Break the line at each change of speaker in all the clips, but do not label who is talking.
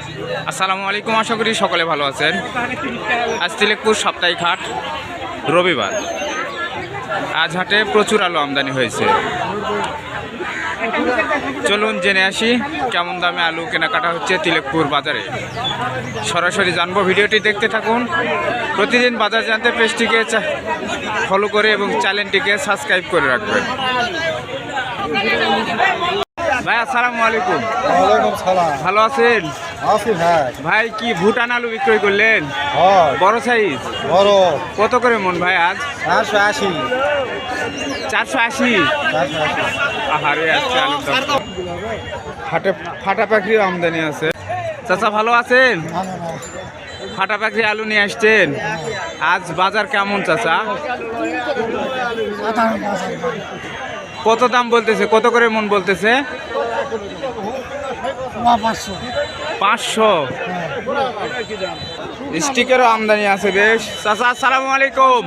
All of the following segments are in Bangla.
আসসালামু আলাইকুম, আশা করি সকলে ভালো আছেন। আজ তিলেকপুর সাপ্তাহিক হাট, রবিবার। আজ হাটে প্রচুর আলু আমদানি হয়েছে। চলুন জেনে আসি কেমন দামে আলু কেনাকাটা হচ্ছে তিলেকপুর বাজারে। সরাসরি জানবো, ভিডিওটি দেখতে থাকুন। প্রতিদিন বাজার জানতে পেজটিকে ফলো করে এবং চ্যানেলটিকে সাবস্ক্রাইব করে রাখবেন। ভাই আসসালামু আলাইকুম।
ওয়ালাইকুম সালাম।
ভালো আছেন?
আছি ভাই।
ভাই কি ভুটান আলু বিক্রয় করলেন? বড় সাইজ?
বড়।
কত করে মন ভাই আজ?
480।
480? আহারে, আজকে আলুর দাম। হাটে ফাটা পাখি আমদানি আছে। চাচা ভালো আছেন? ফাটা পাখি আলু নিয়ে আসছেন। আজ বাজার কেমন চাচা? কত দাম বলতেছে? কত করে মন বলতেছে? 500। স্টিকারও আমদানি আছে বেশ। চাচা আসসালামু আলাইকুম।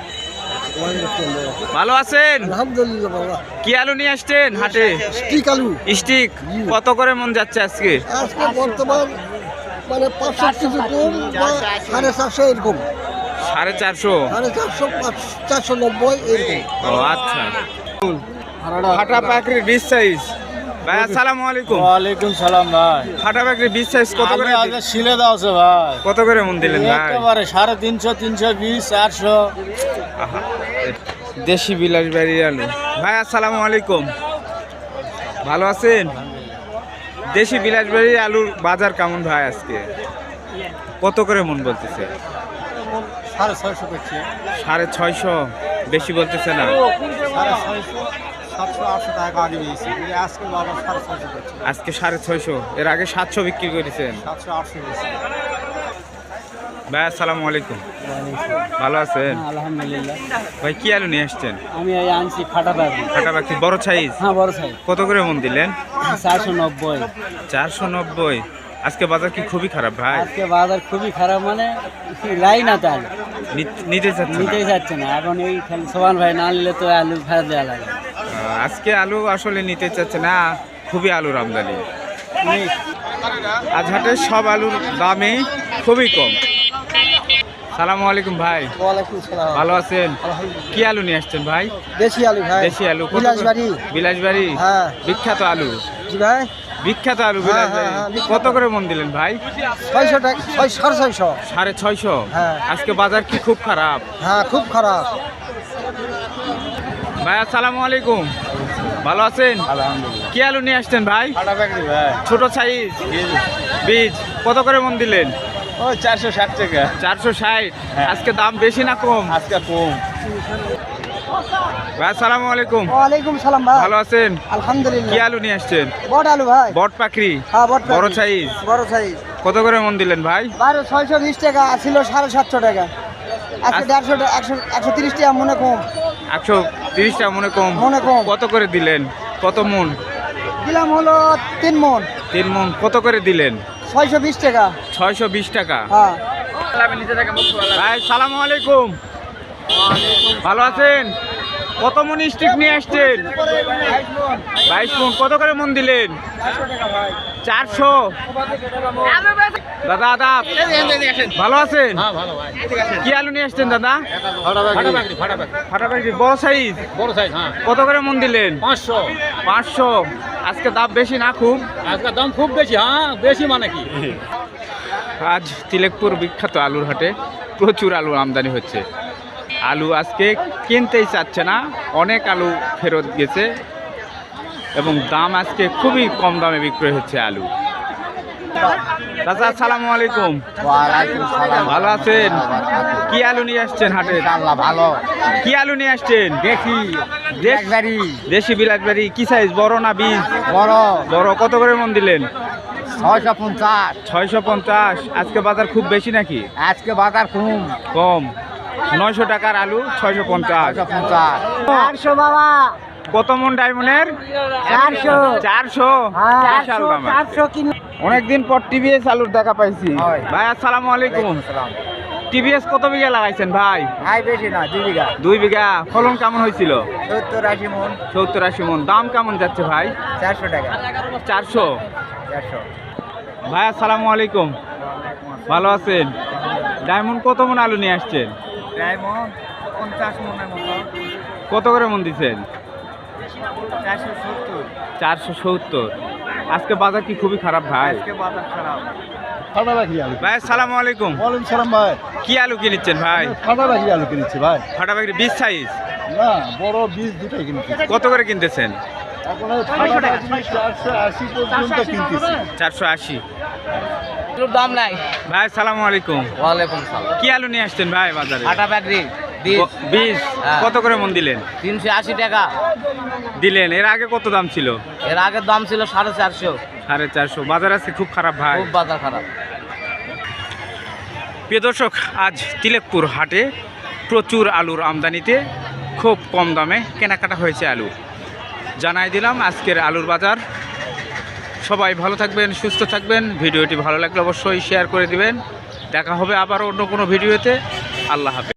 ভালো আছেন?
আলহামদুলিল্লাহ বাবা।
কি আলু নিয়ে আসছেন হাটে?
স্টিক আলু।
স্টিক কত করে মন যাচ্ছে আজকে?
আজকে বর্তমান মানে 500 কিছু কম বা 450 এরকম।
450?
450, 490 এরকম।
ও আচ্ছা। ফাটা পাখির 20 সাইজ। ভাই আসসালামু আলাইকুম।
ওয়ালাইকুম সালাম ভাই।
ফাটা পাখির 20 সাইজ কত করে?
আগে শিলে দাও আছে ভাই।
কত করে মন দিলেন ভাই?
একেবারে 350, 320, 400।
আহা, দেশি বিলাসবাড়ি আলু। ভাই আসসালামু আলাইকুম। ভালো আছেন? দেশি বিলাসবাড়ি আলুর বাজার কেমন ভাই আজকে? কত করে মন বলতেছে?
650 করছে।
650? বেশি বলতেছে না?
650, 700, 800 টাকা আগে দিয়েছি। আজকে বাবা 650 করছে।
আজকে 650? এর আগে 700 বিক্রি করেছেন?
700, 800 দিয়েছি।
ভাই আসসালামু আলাইকুম। ভালো আছেন?
আলহামদুলিল্লাহ।
ভাই কি আলু নিয়ে আসছেন?
আমি এই আনছি ফাটা পাখি।
ফাটা পাখি বড় সাইজ?
হ্যাঁ, বড় সাইজ।
কত করে মন দিলেন?
490।
490? আজকে বাজার কি খুবই খারাপ ভাই?
আজকে বাজার খুবই খারাপ, মানে লাইন আছে আলু
নিতে চাচ্ছে না?
নিতেই যাচ্ছে না। এখন এই খালি সোহান ভাই না নিলে তো আলু ফেরত দেওয়া লাগে।
আজকে আলু আসলে নিতে চাচ্ছে না, খুবই আলুর আমদানি। আজ হাটে সব আলুর দামই খুবই কম। সালামু আলাইকুম ভাই।
ওয়ালাইকুম সালাম।
ভালো আছেন? কি আলু নিয়ে আসছেন ভাই?
দেশি আলু ভাই।
দেশি আলু?
বিলাসবাড়ি।
বিলাসবাড়ি?
হ্যাঁ।
বিখ্যাত আলু।
জি ভাই।
বিখ্যাত আলু
হ্যাঁ,
বিলাসবাড়ি।
হ্যাঁ, বিখ্যাত।
কত করে মন দিলেন ভাই?
600 টাকা, 650।
650?
হ্যাঁ।
আজকে বাজার কি খুব খারাপ?
হ্যাঁ, খুব খারাপ।
ভাই আসসালামু আলাইকুম। ভালো আছেন?
আলহামদুলিল্লাহ।
কি আলু নিয়ে আসছেন ভাই?
ফাটা পাখি ভাই।
ছোট সাইজ বীজ? কত করে মন দিলেন?
ও 460 টাকা।
460?
হ্যাঁ।
আজকে দাম বেশি না কম?
আজকে কম।
ভাই আসসালামু আলাইকুম।
ওয়ালাইকুম সালাম ভাই।
ভালো আছেন?
আলহামদুলিল্লাহ।
কি আলু নিয়ে আসছেন?
বড় আলু ভাই।
বট পাখরি?
হ্যাঁ, বড়
বড় সাইজ?
বড় সাইজ।
কত করে মন দিলেন ভাই?
620 টাকা, ছিল 750 টাকা। আজকে 150 টাকা, 130 টাকা মনে কম।
130 টাকা মনে কম?
মনে কম।
কত করে দিলেন? কত মন?
দিলাম হলো 3 মন।
3 মন? কত করে দিলেন?
620 টাকা।
620 টাকা?
হ্যাঁ।
ভাই সালামু আলাইকুম। ভালো আছেন? কত মন স্টিক নিয়ে আসছেন? 22 মন? কত করে মন দিলেন? 400? দাদা আদাব, ভালো আছেন? কি আলু নিয়ে আসছেন দাদা? ফাটা পাখি বড় সাইজ?
বড় সাইজ। হ্যাঁ,
কত করে মন দিলেন?
500।
500? আজকে দাম বেশি না খুব?
আজকে দাম খুব বেশি। হ্যাঁ, বেশি মানে কি?
আজ তিলেকপুর বিখ্যাত আলুর হাটে প্রচুর আলু আমদানি হচ্ছে। আলু আজকে কিনতেই চাচ্ছে না, অনেক আলু ফেরত গেছে এবং দাম আজকে খুবই কম দামে বিক্রয় হচ্ছে আলু। চাচা আসসালামু আলাইকুম।
ওয়ালাইকুম সালাম।
ভালো আছেন? কি আলু নিয়ে আসছেন হাটে?
আল্লাহ ভালো।
কি আলু নিয়ে আসছেন?
দেখি বিলাসবাড়ি।
দেশি বিলাসবাড়ি? কি সাইজ, বড় না বীজ?
বড়।
বড়। কত করে মন দিলেন?
650।
650? আজকে বাজার খুব বেশি নাকি?
আজকে বাজার কম।
কম? 900 টাকার আলু 650?
650।
400 বাবা।
কত মন ডায়মন্ডের?
400।
400? বিশাল দাম।
400 কিলো।
অনেকদিন পর টিভিএস আলুর দেখা পাইছি।
হয়।
ভাই আসসালামু আলাইকুম। টিভিএস কত বিঘা লাগাইছেন ভাই?
ভাই বেশি না, 2 বিঘা।
2 বিঘা। ফলন কেমন হয়েছিল?
70-80 মন।
70-80 মন। দাম কেমন যাচ্ছে ভাই?
400 টাকা।
400?
400।
ভাই আসসালামু আলাইকুম, ভালো আছেন? ডায়মন্ড কত মন আলু নিয়ে আসছেন?
ডায়মন্ড 50 মনের মতো,
কত করে মন দিচ্ছেন?
470।
470। আজকে বাজার কি খুবই খারাপ ভাই?
আজকে বাজার খারাপ।
ফাটা রাখি আলু।
ভাই আসসালামু আলাইকুম,
ওয়ালাইকুম সালাম ভাই।
কি আলু কিনেছেন ভাই?
ফাটা রাখি আলু কিনেছি ভাই।
ফাটা বাকি 20 সাইজ,
না বড় বীজ দুটাই কিনেছি।
কত করে কিনতেছেন?
এখন এই ফাটা রাখি 480 পর্যন্ত কিনতেছি।
480।
আলুর দাম নাই।
ভাই আসসালামু আলাইকুম,
ওয়ালাইকুম সালাম।
কি আলু নিয়ে আসছেন ভাই বাজারে?
আটা ব্যাটারি
20।
হ্যাঁ।
কত করে মন দিলেন?
380 টাকা।
দিলেন। এর আগে কত দাম ছিল?
এর আগের দাম ছিল 450।
450। বাজার আছে খুব খারাপ ভাই।
খুব বাজার খারাপ।
প্রিয় দর্শক, আজ তিলেকপুর হাটে প্রচুর আলুর আমদানিতে খুব কম দামে কেনাকাটা হয়েছে আলু। জানাই দিলাম আজকের আলুর বাজার। সবাই ভালো থাকবেন, সুস্থ থাকবেন। ভিডিওটি ভালো লাগলে অবশ্যই শেয়ার করে দিবেন। দেখা হবে আবার অন্য কোনো ভিডিওতে। আল্লাহ হাফেজ।